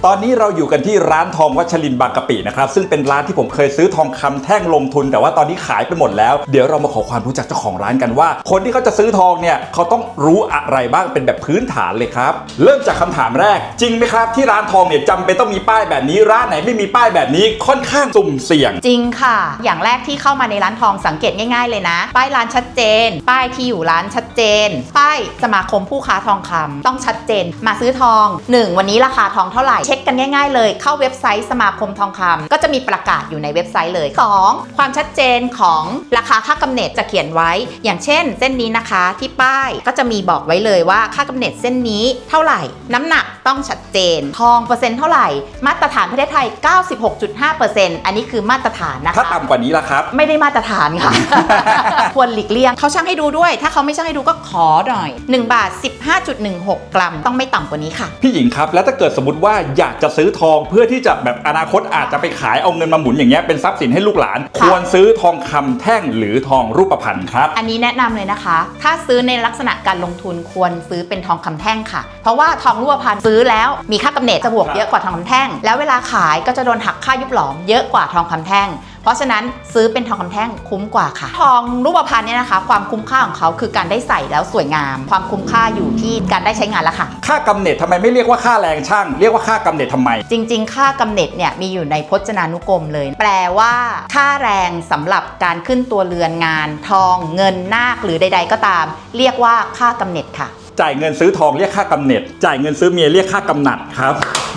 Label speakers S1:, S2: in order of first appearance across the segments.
S1: ตอนนี้เราอยู่กันที่ร้านทองวัชรินทร์บางกะปินะครับซึ่งเป็นร้านที่ผมเคยซื้อทองคำแท่งลงทุนแต่ว่าตอนนี้ขายไปหมดแล้วเดี๋ยวเรามาขอความรู้จักเจ้าของร้านกันว่าคนที่เขาจะซื้อทองเนี่ยเขาต้องรู้อะไรบ้างเป็นแบบพื้นฐานเลยครับเริ่มจากคำถามแรกจริงไหมครับที่ร้านทองเนี่ยจำเป็นต้องมีป้ายแบบนี้ร้านไหนไม่มีป้ายแบบนี้ค่อนข้างสุ่มเสี่ยง
S2: จริงค่ะอย่างแรกที่เข้ามาในร้านทองสังเกตง่ายๆเลยนะป้ายร้านชัดเจนป้ายที่อยู่ร้านชัดเจนป้ายสมาคมผู้ค้าทองคำต้องชัดเจนมาซื้อทอง1วันนี้ราคาทองเท่าไหร่เช็คกันง่ายๆเลยเข้าเว็บไซต์สมาคมทองคำก็จะมีประกาศอยู่ในเว็บไซต์เลย2ความชัดเจนของราคาค่ากำเนิดจะเขียนไว้อย่างเช่นเส้นนี้นะคะที่ป้ายก็จะมีบอกไว้เลยว่าค่ากำเนิดเส้นนี้เท่าไหร่น้ำหนักต้องชัดเจนทองเปอร์เซ็นต์เท่าไหร่มาตรฐานประเทศไทย 96.5% อันนี้คือมาตรฐานนะคะ
S1: ถ้าต่ำกว่านี้ล่ะครับ
S2: ไม่ได้มาตรฐานค่ะ ควรหลีกเลี่ยงเขาชั่งให้ดูด้วยถ้าเขาไม่ชั่งให้ดูก็ขอหน่อย1 บาท 15.16 กรัมต้องไม่ต่ำกว่านี้ค่ะ
S1: พี่หญิงครับแล้วถ้าเกิดสมมติว่าอยากจะซื้อทองเพื่อที่จะแบบอนาคตอาจจะไปขายเอาเงินมาหมุนอย่างเงี้ยเป็นทรัพย์สินให้ลูกหลานควรซื้อทองคำแท่งหรือทองรูปพรรณครับ
S2: อันนี้แนะนำเลยนะคะถ้าซื้อในลักษณะการลงทุนควรซื้อเป็นทองคำแท่งค่ะเพราะว่าทองรูปพรรณซื้อแล้วมีค่ากำเนิดจะบวกเยอะกว่าทองคำแท่งแล้วเวลาขายก็จะโดนหักค่ายุบหลอมเยอะกว่าทองคำแท่งเพราะฉะนั้นซื้อเป็นทองคำแท่งคุ้มกว่าค่ะทองรูปพรรณเนี่ยนะคะความคุ้มค่าของเขาคือการได้ใส่แล้วสวยงามความคุ้มค่าอยู่ที่การได้ใช้งานแล้วค่ะ
S1: ค่ากำเนิดทำไมไม่เรียกว่าค่าแรงช่างเรียกว่าค่ากำเนิดทำไม
S2: จริงๆค่ากำเนิดเนี่ยมีอยู่ในพจนานุกรมเลยแปลว่าค่าแรงสำหรับการขึ้นตัวเรือนงานทองเงินนาคหรือใดๆก็ตามเรียกว่าค่ากำเนิดค่ะ
S1: จ่ายเงินซื้อทองเรียกค่ากำเนิดจ่ายเงินซื้อเมียเรียกค่ากำนัดครับ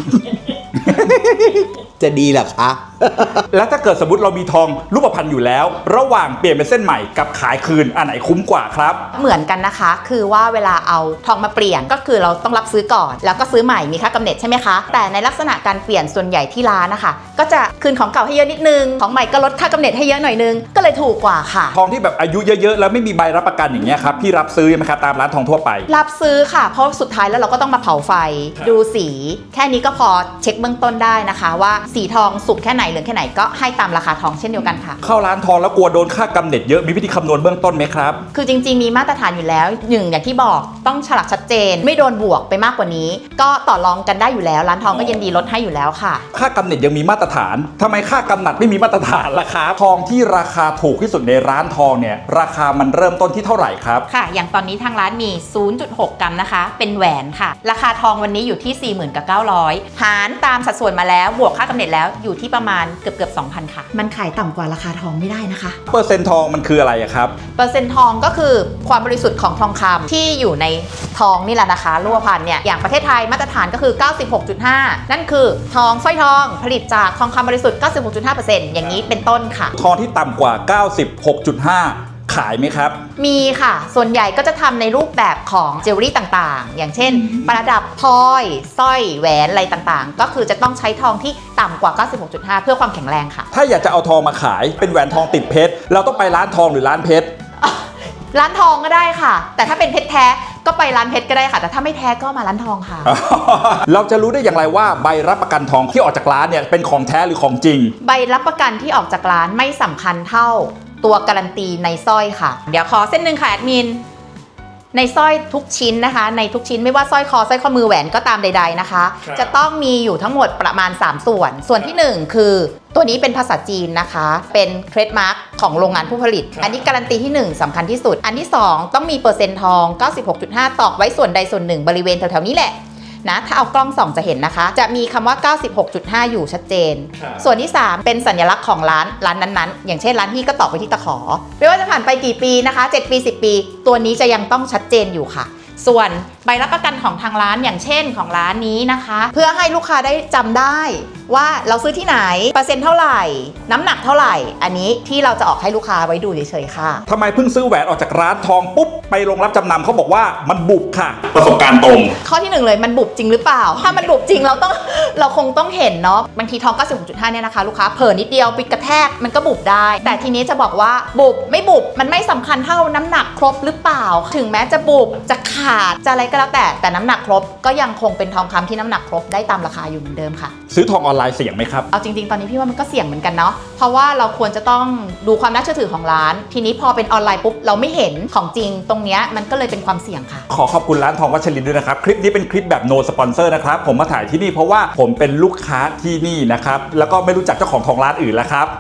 S3: จะดีเหรอคะ
S1: แล้วถ้าเกิดสมมติเรามีทองรูปพรรณอยู่แล้วระหว่างเปลี่ยนเป็นเส้นใหม่กับขายคืนอันไหนคุ้มกว่าครับ
S2: เหมือนกันนะคะคือว่าเวลาเอาทองมาเปลี่ยนก็คือเราต้องรับซื้อก่อนแล้วก็ซื้อใหม่มีค่ากำเนิดใช่ไหมคะแต่ในลักษณะการเปลี่ยนส่วนใหญ่ที่ร้านนะคะก็จะคืนของเก่าให้เยอะนิดนึงของใหม่ก็ลดค่ากำเนิดให้เยอะหน่อยนึงก็เลยถูกกว่าค่ะ
S1: ทองที่แบบอายุเยอะๆแล้วไม่มีใบรับประกันอย่างเงี้ยครับพี่รับซื้อไหมครับตามร้านทองทั่วไป
S2: รับซื้อค่ะเพราะสุดท้ายแล้วเราก็ต้องมาเผาไฟดูสีแค่นี้ก็พอเช็คเบื้องต้นได้นะคะว่าสีทองสุกแค่ไหนเหลืองแค่ไหนก็ให้ตามราคาทองเช่นเดียวกันค่ะ
S1: เข้าร้านทองแล้วกลัวโดนค่ากำเนิดเยอะมีวิธีคำนวณเบื้องต้นไหมครับ
S2: คือจริงๆมีมาตรฐานอยู่แล้วอย่างที่บอกต้องฉลากชัดเจนไม่โดนบวกไปมากกว่านี้ก็ต่อรองกันได้อยู่แล้วร้านทองก็ยินดีลดให้อยู่แล้วค่ะ
S1: ค่ากำเนิดยังมีมาตรฐานทำไมค่ากำนัดไม่มีมาตรฐานล่ะครับทองที่ราคาถูกที่สุดในร้านทองเนี่ยราคามันเริ่มต้นที่เท่าไหร่ครับ
S2: ค่ะอย่างตอนนี้ทางร้านมี 0.6 กรัมนะคะเป็นแหวนค่ะราคาทองวันนี้อยู่ที่ 40,900 หารตามสัดส่วนมาแล้วบวกค่ากำเนิดแล้วอยู่ที่ประมาณเกือบ 2,000 ค่ะมันขายต่ำกว่าราคาทองไม่ได้นะคะ
S1: เปอร์เซ็นต์ทองมันคืออะไรครับ
S2: เปอร์เซ็นต์ทองก็คือความบริสุทธิ์ของทองคำที่อยู่ในทองนี่แหละนะคะรูปพรรณเนี่ยอย่างประเทศไทยมาตรฐานก็คือ 96.5 นั่นคือทองสร้อยทองผลิตจากทองคำบริสุทธิ์ 96.5% อย่างนี้เป็นต้นค่ะ
S1: ทองที่ต่ำกว่า 96.5 ขายไหมครับ
S2: มีค่ะส่วนใหญ่ก็จะทำในรูปแบบของเจวเวลรี่ต่างๆอย่างเช่นประดับพลอยสร้อยแหวนอะไรต่างๆก็คือจะต้องใช้ทองที่ต่ำกว่า 96.5 เพื่อความแข็งแรงค่ะ
S1: ถ้าอยากจะเอาทองมาขายเป็นแหวนทองติดเพชรเราต้องไปร้านทองหรือร้านเพชร
S2: ร้านทองก็ได้ค่ะแต่ถ้าเป็นเพชรแท้ก็ไปร้านเพชรก็ได้ค่ะแต่ถ้าไม่แท้ก็มาร้านทองค่ะ
S1: เราจะรู้ได้อย่างไรว่าใบรับประกันทองที่ออกจากร้านเนี่ยเป็นของแท้หรือของจริง
S2: ใบรับประกันที่ออกจากร้านไม่สำคัญเท่าตัวการันตีในสร้อยค่ะเดี๋ยวขอเส้นหนึ่งค่ะแอดมินในสร้อยทุกชิ้นนะคะในทุกชิ้นไม่ว่าสร้อยคอสร้อยข้อมือแหวนก็ตามใดๆนะคะจะต้องมีอยู่ทั้งหมดประมาณ3ส่วนที่1คือตัวนี้เป็นภาษาจีนนะคะเป็นเทรดมาร์กของโรงงานผู้ผลิตอันนี้การันตีที่1สำคัญที่สุดอันที่2ต้องมีเปอร์เซ็นต์ทอง 96.5 ตอกไว้ส่วนใดส่วนหนึ่งบริเวณแถวๆนี้แหละนะถ้าเอากล้องส่องจะเห็นนะคะจะมีคำว่า 96.5 อยู่ชัดเจนส่วนที่3เป็นสัญลักษณ์ของร้านนั้นๆอย่างเช่นร้านที่ก็ตอกไปที่ตะขอไม่ว่าจะผ่านไปกี่ปีนะคะ7 ปี 10 ปีตัวนี้จะยังต้องชัดเจนอยู่ค่ะส่วนใบรับประกันของทางร้านอย่างเช่นของร้านนี้นะคะเพื่อให้ลูกค้าได้จำได้ว่าเราซื้อที่ไหนเปอร์เซ็นต์เท่าไหร่น้ำหนักเท่าไหร่อันนี้ที่เราจะออกให้ลูกค้าไว้ดูเฉยๆค่ะ
S1: ทำไมเพิ่งซื้อแหวนออกจากร้านทองปุ๊บไปโรงรับจำนำเขาบอกว่ามันบุบค่ะประสบการณ์ตรง
S2: ข้อที่1เลยมันบุบจริงหรือเปล่าถ้ามันบุบจริงเราคงต้องเห็นเนาะบางทีทอง 96.5 เนี่ยนะคะลูกค้าเผลอนิดเดียวไปกระแทกมันก็บุบได้แต่ทีนี้จะบอกว่าบุบไม่บุบมันไม่สำคัญเท่าน้ำหนักครบหรือเปล่าถึงแม้จะบุบจะขาดจะอะไรก็ก็แล้วแต่น้ำหนักครบก็ยังคงเป็นทองคำที่น้ำหนักครบได้ตามราคาอยู่เหมือนเดิมค่ะ
S1: ซื้อทองออนไลน์เสี่ยงไหมครับ
S2: เอาจริงๆตอนนี้พี่ว่ามันก็เสี่ยงเหมือนกันเนาะเพราะว่าเราควรจะต้องดูความน่าเชื่อถือของร้านทีนี้พอเป็นออนไลน์ปุ๊บเราไม่เห็นของจริงตรงเนี้ยมันก็เลยเป็นความเสี่ยงค่ะ
S1: ขอบคุณร้านทองวัชรินทร์ด้วยนะครับคลิปนี้เป็นคลิปแบบ no sponsor นะครับผมมาถ่ายที่นี่เพราะว่าผมเป็นลูกค้าที่นี่นะครับแล้วก็ไม่รู้จักเจ้าของทองร้านอื่นแล้วครับ